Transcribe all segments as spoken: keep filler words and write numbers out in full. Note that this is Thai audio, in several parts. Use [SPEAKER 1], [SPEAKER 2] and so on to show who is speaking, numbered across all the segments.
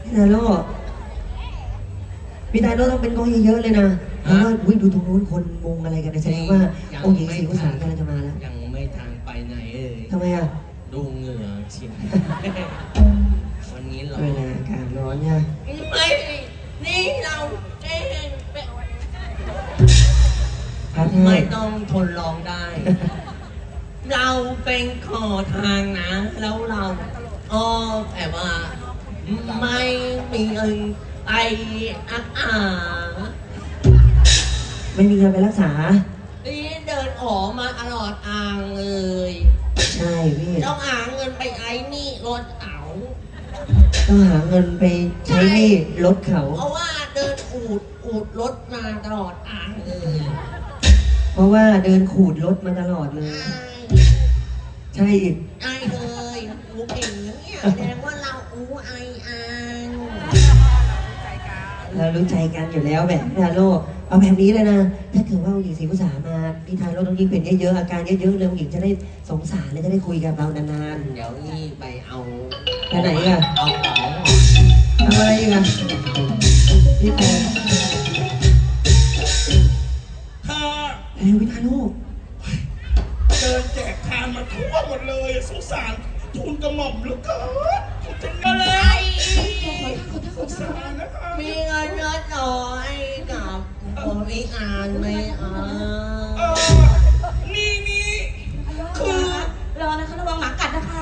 [SPEAKER 1] พี่ทาโร่พี่ทาโร่ต้องเป็นกองเยอะๆเลยนะเพราะว่าวิ่งดูตรงนู้นคนมุงอะไรกันแสดงว่าองค์หญิงศรีวสากำลังจะมาแล้ว
[SPEAKER 2] ยังไม่ทางไปไหนเอ่ย
[SPEAKER 1] ทำไมอ่ะ
[SPEAKER 2] ดูเหงื่อเฉียวันนี้เรา
[SPEAKER 1] เวลาอากาศร้อนเนี่ย
[SPEAKER 2] ไม่นี่เราเองไม่ต้องทนร้องได้ เราเป็นขอทางนะแล้วเราอ๋อแต่ว่าไม่มีเงินไปอักอา
[SPEAKER 1] ไม่มีเงินไปรักษา
[SPEAKER 2] นี่เดินออกมาตลอดทางเลย
[SPEAKER 1] ใช่พี่
[SPEAKER 2] ต้องหาเงินไปไอ้นี่รถเขา
[SPEAKER 1] ต้องหาเงินไปใช้หนี้รถเขา
[SPEAKER 2] เพราะว่าเดินอูดอูดรถมาตลอดทางเลย
[SPEAKER 1] เพราะว่าเดินขูดรถมาตลอดเลยใช่อีก
[SPEAKER 2] ใช่เลยอูเก่งเนี่ยแสดงว่าเราอูไออัน
[SPEAKER 1] เรารู้ใจกันอยู่แล้วแบบพี่ทาโร่เอาแบบนี้เลยนะถ้าเกิดว่าองค์หญิงศรีวสามาพี่ทาโร่ต้องยิ่งเป็นเยอะๆอาการเยอะๆเลยองค์หญิงจะได้สงสารและจะได้คุยกับเรานาน
[SPEAKER 2] ๆเดี๋ยวนี่ไปเอา
[SPEAKER 1] ไปไหนอ่ะ
[SPEAKER 2] เอาของ
[SPEAKER 1] ทำอะไรกันพี่แพน
[SPEAKER 3] ถ้า
[SPEAKER 1] เฮ้ยพี่ทาโร่
[SPEAKER 3] เดินแจกทานมาทั่วหมดเลยสงสารทูลกระหม่อมเหลือเกินจะเงินเลยสงสารนะคะ
[SPEAKER 2] มีเงินเยอะน้อยกับผมอีอ่านไม่อ่าน
[SPEAKER 3] เออนี่นี่คือ
[SPEAKER 4] รอนะคะระวังหมากัดนะคะ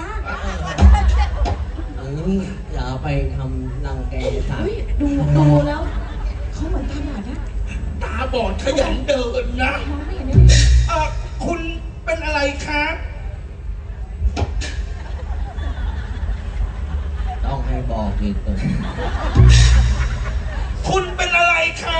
[SPEAKER 2] นี่อย่าไปทำรังแกสัตว์
[SPEAKER 4] ดูดูแล้วเขาเหมือนตาบอดนะ
[SPEAKER 3] ตาบอดขยันเดินนะเออคุณเป็นอะไรคะ
[SPEAKER 2] ต้องให้บอกอีกตัว
[SPEAKER 3] คุณเป็นอะไรคะ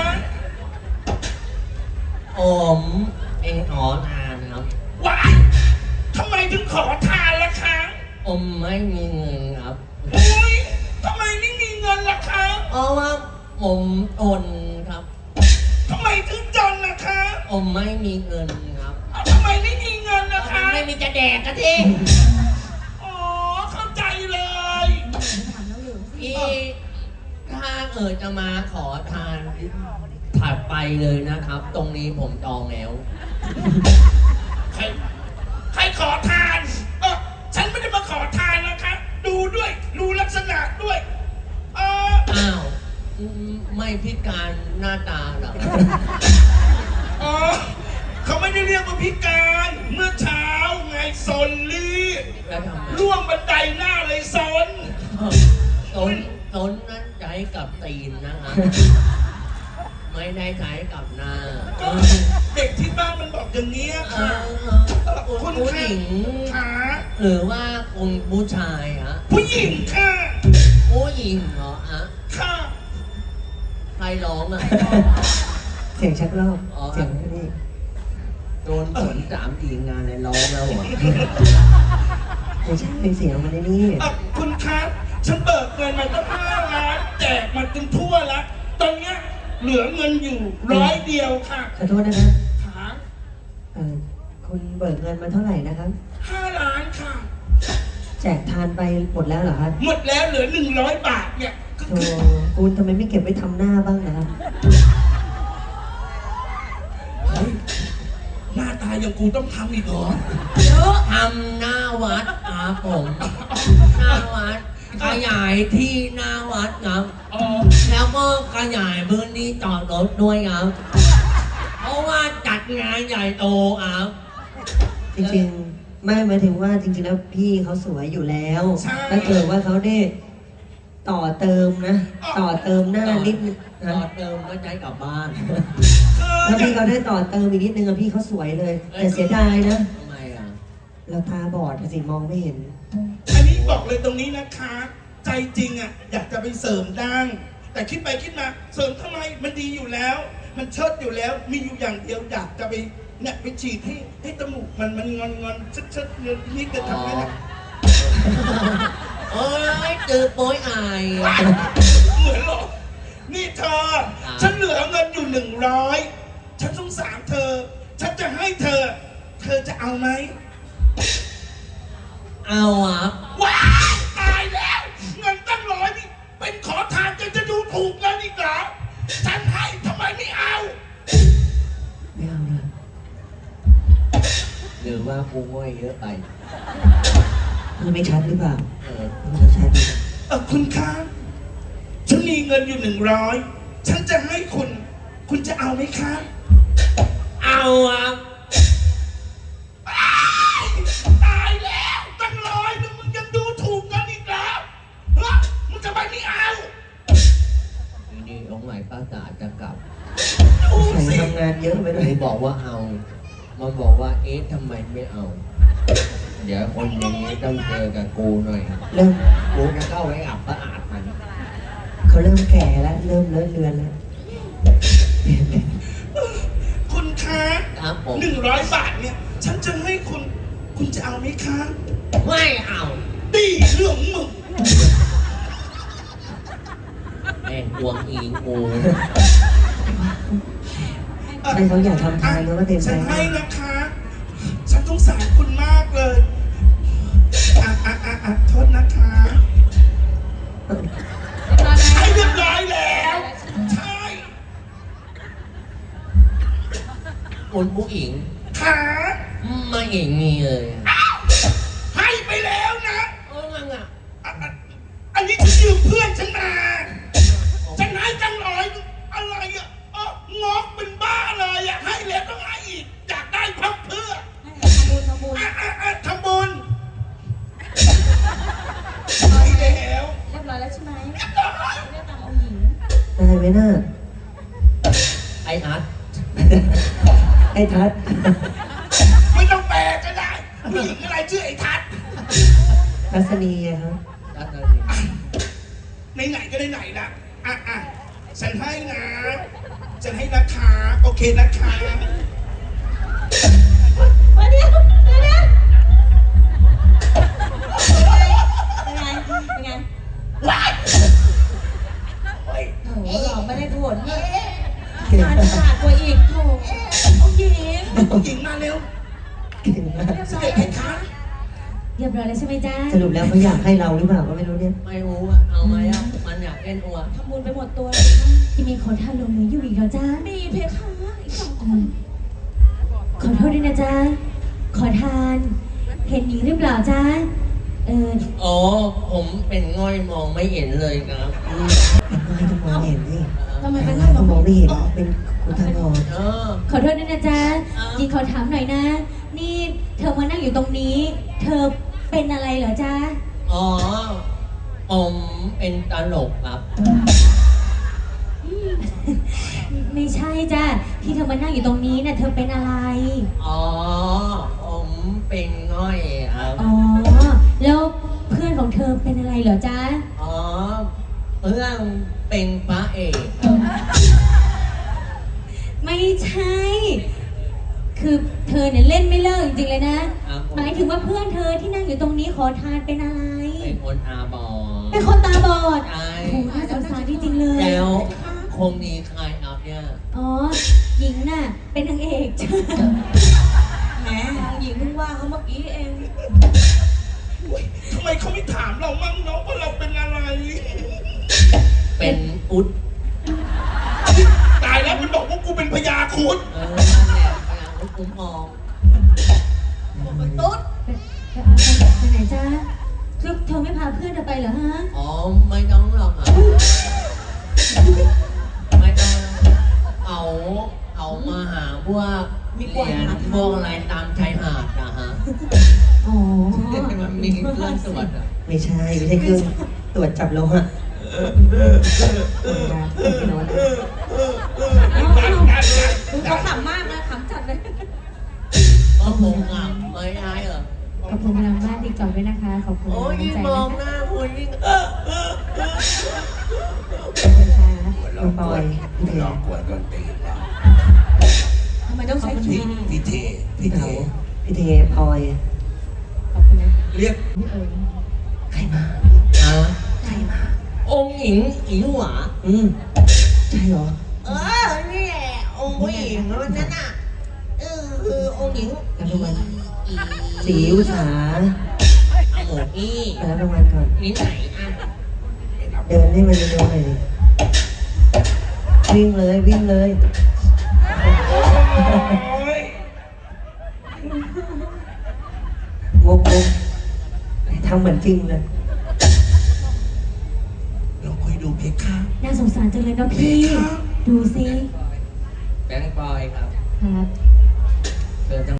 [SPEAKER 2] ผมเองขอทานครับ
[SPEAKER 3] ว้ายทำไมถึงขอทานล่ะคะ
[SPEAKER 2] ผมไม่มีเงินครับ
[SPEAKER 3] โอ้ยทำไมไม่มีเงินล่ะคะ
[SPEAKER 2] เพราะว่าผมจนครับ
[SPEAKER 3] ทำไมถึงจนล่ะคะ
[SPEAKER 2] ผมไม่มีเงินครับ
[SPEAKER 3] ทำไมไม่มีเงินล่ะคะ
[SPEAKER 2] ไม่มีจะแดกกันที
[SPEAKER 3] อ๋อเข้าใจเลย
[SPEAKER 2] พี่ถ้าเออจะมาขอทานถัดไปเลยนะครับ ตรงนี้ผมจองแล้ว
[SPEAKER 3] ใครใครขอทานเออฉันไม่ได้มาขอทานนะคะดูด้วยดูลักษณะด้วยเออ
[SPEAKER 2] อ้าวไม่พิการหน้าตาหรอ
[SPEAKER 3] อ๋อเขาไม่ได้เรียกว่าพิการเมื่อเช้าไงซนลี่ล่วงบันไดหน้าเลยซน
[SPEAKER 2] ซนซนนั้นใช้กับตีนนะฮะไม่ได้ใช้กับหน้า
[SPEAKER 3] เด็กที่บ้านมันบอกอย่างนี้ค่ะ
[SPEAKER 2] คุณผู้หญิงหรือว่าคุณผู้ชายฮะ
[SPEAKER 3] ผู้หญิงค่ะ
[SPEAKER 2] ผู้หญิงเหรอฮะ
[SPEAKER 3] ค่ะ
[SPEAKER 2] ใครร้องอ่ะ
[SPEAKER 1] เสียงชักรอบเสียงนี่
[SPEAKER 2] โดนฝนสามทีงานเลยร้องแล้วเหรอ
[SPEAKER 1] ไม่ใช่เป็นเสียงมันในนี่
[SPEAKER 3] คุณคะฉันเบิกเงินมาตั้งห้าล้านแจกมันจนทั่วแล้วตอนเนี้ยเหลือเงินอยู่ร้อยเดียวค่ะ
[SPEAKER 1] ขอโทษนะครับ
[SPEAKER 3] ค่ะ
[SPEAKER 1] เออคุณเบิกเงินมาเท่าไหร่นะครับ
[SPEAKER 3] ห้าล้านค่ะ
[SPEAKER 1] แจกทานไปหมดแล้วเหรอครับ
[SPEAKER 3] หมดแล้วเหลือหนึ่งร้อยบาทเนี่ย
[SPEAKER 1] โธ่คุณทำไมไม่เก็บไว้ทำหน้าบ้างนะครับ
[SPEAKER 3] หน้าตาอย่างกูต้องทำอีกเหรอ
[SPEAKER 2] เยอะทำหน้าวัดครับผมหน้าวัดขยายที่หน้าวัดครับแล้วก็ขยายพื้นที่จอดรถด้วยครับเพราะว่าจัดงานใหญ่โตครับ
[SPEAKER 1] จริงๆไม่หมายถึงว่าจริงๆแล้วพี่เขาสวยอยู่แล้วถ้าเกิดว่าเขาได้ต่อเติมนะต่อเติมหน้านิด
[SPEAKER 2] ต่อเติมก็ใช้กลับบ้าน
[SPEAKER 1] แล้วพี่เขาได้ต่อเติมอีกนิดนึงอะพี่เขาสวยเลยแต่เสียดายนะ
[SPEAKER 2] ทำไมอ่ะ
[SPEAKER 1] เราตาบอดสิมองไม่เห็น
[SPEAKER 3] อันนี้บอกเลยตรงนี้นะคะใจจริงอ่ะอยากจะไปเสริมดั้งแต่คิดไปคิดมาเสริมทำไมมันดีอยู่แล้วมันเชิดอยู่แล้วมีอยู่อย่างเดียวอยากจะไปเนี่ยไปฉีดให้ให้จมูกมันมันงอนงอนชัดชัดนี่จะทำให้นะ
[SPEAKER 2] โอ้ยตื่นโป้ยอาย
[SPEAKER 3] เหมือนหรอนี่เธอฉันเหลือเงินอยู่หนึ่งร้อยฉันสงสารเธอฉันจะให้เธอเธอจะเอาไหม
[SPEAKER 2] เอาอ่ะ
[SPEAKER 3] ว้ายตายแล้วเงินตั้งร้อยนี่เป็นขอทาน
[SPEAKER 1] พี่ไม่ชัดหรือเปล่า
[SPEAKER 2] เออ
[SPEAKER 1] พี่ไม่ชัดหรือเปล่า
[SPEAKER 3] เออคุณคะฉันมีเงินอยู่หนึ่งร้อยฉันจะให้คุณ คุณจะเอาไหมคะ
[SPEAKER 2] เอาครับ
[SPEAKER 3] อ้ายตายแล้วตั้งร้อยนึงมึงยังดูถูกกันอีกแล้วฮะมึงจะไปไม่เอา
[SPEAKER 2] ทีนี้องค์ไหนป้าจ๋าจะกลับ
[SPEAKER 3] ดู
[SPEAKER 1] ใส่
[SPEAKER 3] สิ
[SPEAKER 1] ทำงานเยอะไป
[SPEAKER 2] ไห
[SPEAKER 1] เล
[SPEAKER 2] น
[SPEAKER 1] ย
[SPEAKER 2] บอกว่าเอา มันบอกว่าเอ๊ะทำไมไม่เอา เดี๋ยวคนอย่างนี้ต้องเจอกับกูหน่อย
[SPEAKER 1] เริ่ม
[SPEAKER 2] กูจะเข้าไปอับประอาดมัน
[SPEAKER 1] เขาเริ่มแก่แล้วเริ่มเลอะเลือนแล้ว
[SPEAKER 3] คุณคะ
[SPEAKER 2] ครับผม
[SPEAKER 3] หนึ่งร้อยบาทเนี่ย ฉันจะให้คุณ คุณจะเอาไหมคะ
[SPEAKER 2] ไม่เอา
[SPEAKER 3] ดีเรื่องมึง
[SPEAKER 2] แม่งกวงอิงกู
[SPEAKER 1] ใช่เขาอยากทำทานแล้วก็เต็มใจ
[SPEAKER 3] ฉันให้นะคะ ฉันสงสารคุณมากเลย อ่ะอ่ะอ่ะอ่ะโทษนะคะ ให้เรียบร้อยแล้ว ใช่
[SPEAKER 2] คุณผู้หญิง
[SPEAKER 3] ค่ะ
[SPEAKER 2] ไม่เองมีเลย
[SPEAKER 3] อ้าวให้ไปแล้วนะ
[SPEAKER 2] เออมังอ่ะ
[SPEAKER 3] อ่ะอ่ะอันนี้ฉันยืมเพื่อนฉันมา ฉันให้จังร้อยอะไรอ่ะเอองอกเป็นบ้าเลยอ่ะ ให้แล้วต้องให้อีก อยากได้พับเพื่อ
[SPEAKER 4] ทำบุญทำบุญ
[SPEAKER 3] อ่ะอ่ะอ่ะทำบุญให้แล้ว
[SPEAKER 4] เรียบร้อยแล้วใช่ไหม
[SPEAKER 3] เรียบร้อย
[SPEAKER 4] เรียกตามองค์หญิง
[SPEAKER 1] ได้ไหมน่า
[SPEAKER 2] ไออาร์ต
[SPEAKER 1] ไอ้ทัศน์
[SPEAKER 3] ไม่ต้องแปลก็ได้ผู้หญิงอะไรชื่อไอ้ทัศน์
[SPEAKER 1] ทัศนีอะครับ
[SPEAKER 2] อาร์ตอะไร
[SPEAKER 3] ไหนๆก็ไหนๆละอ่ะอ่ะฉันให้นะ ฉันให้นะคะโอเคนะคะ
[SPEAKER 4] มาเดี๋ยวเดี๋ยวเดี๋ยวเป็นไงเป็นไง
[SPEAKER 3] ว้ายเฮ้ย
[SPEAKER 4] โอ้โหหลอกไม่ได้ผลเลย
[SPEAKER 1] เก่ง
[SPEAKER 4] งาน
[SPEAKER 1] มาก
[SPEAKER 4] ขาดกว่าอีกโถองค์หญิง
[SPEAKER 3] ผู้หญิงมาเร็ว
[SPEAKER 1] เก่งมาก
[SPEAKER 4] เรียบ
[SPEAKER 3] เส
[SPEAKER 4] ร้อ
[SPEAKER 3] ด็
[SPEAKER 4] ย
[SPEAKER 3] จ
[SPEAKER 4] แล้
[SPEAKER 3] เพ
[SPEAKER 4] ว
[SPEAKER 3] คะ
[SPEAKER 4] เรียบร้อยแล้วใช่ไหมจ๊ะ
[SPEAKER 1] สรุปแล้วเขาอยากให้เราหรือเปล่าก็ไม่รู้เนี่ย
[SPEAKER 2] ไม่รู้อ่ะ เอาไหมอ่ะ มันอยากเล่นอัว
[SPEAKER 4] ทำบุญไปหมดตัวเลยค่ะ
[SPEAKER 5] ที่มีขอทานลงมืออยู่อีกแล้วจ้า
[SPEAKER 4] มีเพคะอีกสองค
[SPEAKER 5] เอน อขอโทษด้วยนะจ๊ะ ขอทาน เห็นหญิงหรือเปล่าจ๊ะ เออ
[SPEAKER 2] อ๋อ ผมเป็นง่อยมองไม่เห็นเลยครับ
[SPEAKER 1] อืมเป็นไงต้องมองเห็นสิ
[SPEAKER 4] ทำไมเป็นง่าย
[SPEAKER 1] ต้องมองไม่เห็นเป็นคุณทางออก
[SPEAKER 2] เออ
[SPEAKER 5] ขอโทษด้วยนะจ๊ะ
[SPEAKER 2] อ้าว
[SPEAKER 5] หญิงขอถามหน่อยนะ นี่เธอมานั่งอยู่ตรงนี้ เธอเป็นอะไรเหรอจ๊ะ
[SPEAKER 2] อ๋อ ผมเป็นตลกครับ
[SPEAKER 5] ไม่ใช่จ้ะ ที่เธอมานั่งอยู่ตรงนี้น่ะเธอเป็นอะไร
[SPEAKER 2] อ๋อ ผมเป็นง่อยครับ
[SPEAKER 5] อ๋อ แล้วเพื่อนของเธอเป็นอะไรเหรอจ๊ะ
[SPEAKER 2] อ๋อ เรื่องเป็นพระเอก
[SPEAKER 5] ไม่ใช่ คือเธอเนี่ยเล่นไม่เลิกจริงๆเลยนะ
[SPEAKER 2] ครับผม
[SPEAKER 5] หมายถึงว่าเพื่อนเธอที่นั่งอยู่ตรงนี้ขอทานเป็นอะไร
[SPEAKER 2] เป็นคนอาบอด
[SPEAKER 5] เป็นคนตาบอด
[SPEAKER 2] ใช่
[SPEAKER 5] โอ้โหน่าสงสารจริงๆเลย
[SPEAKER 2] แล้วคงมีใครเอาเนี่ย
[SPEAKER 5] อ๋อ หญิงน่ะ เป็นนางเอก จ้ะ
[SPEAKER 4] แหมองค์หญิงเพิ่งว่าเขาเมื่อกี้เอง
[SPEAKER 3] ทำไมเขาไม่ถามเรามั่งเนาะว่าเราเป็นอะไร
[SPEAKER 2] เป็นอุด
[SPEAKER 3] ตายแล้วมันบอกว่ากูเป็นพญาครุฑ
[SPEAKER 2] เออนั่นแหละพยายามคุ้มครอง
[SPEAKER 4] ตุ๊ด
[SPEAKER 5] ไปเอาไปไปไหนจ้าคือเธอไม่พาเพื่อนเธอไปเหรอฮะ
[SPEAKER 2] อ๋อ ไม่ต้องหรอกอ่ะไม่ต้องเอาเอามาหาพวกเหรียญพวกอะไรตามชายหาดนะฮะ
[SPEAKER 5] อ๋อ
[SPEAKER 2] มันมีเครื่องตรวจอ่ะ
[SPEAKER 1] ไม่ใช่ไม่ใช่เครื่องตรวจจับโลหะตรวจยาไม่นอน
[SPEAKER 4] เอาเอาดูเขาขำมากนะขำจัดเลย
[SPEAKER 2] ก็คงอ่ะไม่ได้เหรอ
[SPEAKER 5] ขอบคุณพลังบ้านติ๊กต็อกด้วยนะคะ ขอบคุณ
[SPEAKER 2] โอ้ย
[SPEAKER 5] น้ำ
[SPEAKER 2] ยิ่ง
[SPEAKER 5] ใจ
[SPEAKER 2] มอง
[SPEAKER 5] นะคะ
[SPEAKER 2] หน้าคุณยิ่งเออเออเออ
[SPEAKER 5] ขอบคุณค่ะ
[SPEAKER 1] น้องปอยพี่เท
[SPEAKER 3] หลอกกวนต้นตีนเรา
[SPEAKER 4] ทำไมต้องใช้คี
[SPEAKER 3] พี่
[SPEAKER 4] ย์
[SPEAKER 3] พี่เทพี่เท
[SPEAKER 1] เต๋าพี่เทพลอย
[SPEAKER 5] ขอบคุณนะ
[SPEAKER 3] เรียก
[SPEAKER 5] พี่เอิญ
[SPEAKER 1] ใครมา
[SPEAKER 2] อ่ะ
[SPEAKER 1] ใครมา
[SPEAKER 2] องค์หญิงอิ๋วหวา
[SPEAKER 1] อืมใช่เหรอ
[SPEAKER 2] เออนี่แหละองค์ผู้หญิงวันนั้นน่ะเออคือองค์หญิง
[SPEAKER 1] รับรางวัล
[SPEAKER 2] อี
[SPEAKER 1] สีอุสา
[SPEAKER 2] อาหมูอี้
[SPEAKER 1] ไปรับรางวัลก่อน
[SPEAKER 2] นี่ไหนอ่ะ
[SPEAKER 1] เดินให้มันเร็วๆหน่อยดิวิ่งเลยวิ่งเลย
[SPEAKER 3] โอ้ย
[SPEAKER 1] งกงกไอ้ททำเหมือนจริงเลย
[SPEAKER 3] ลองคุยดูเพคะ
[SPEAKER 5] น่าสงสารจังเลยเนาะพี่ ดูสิ
[SPEAKER 2] แบงค์บอยครับ
[SPEAKER 5] ครับ
[SPEAKER 2] เธอจัง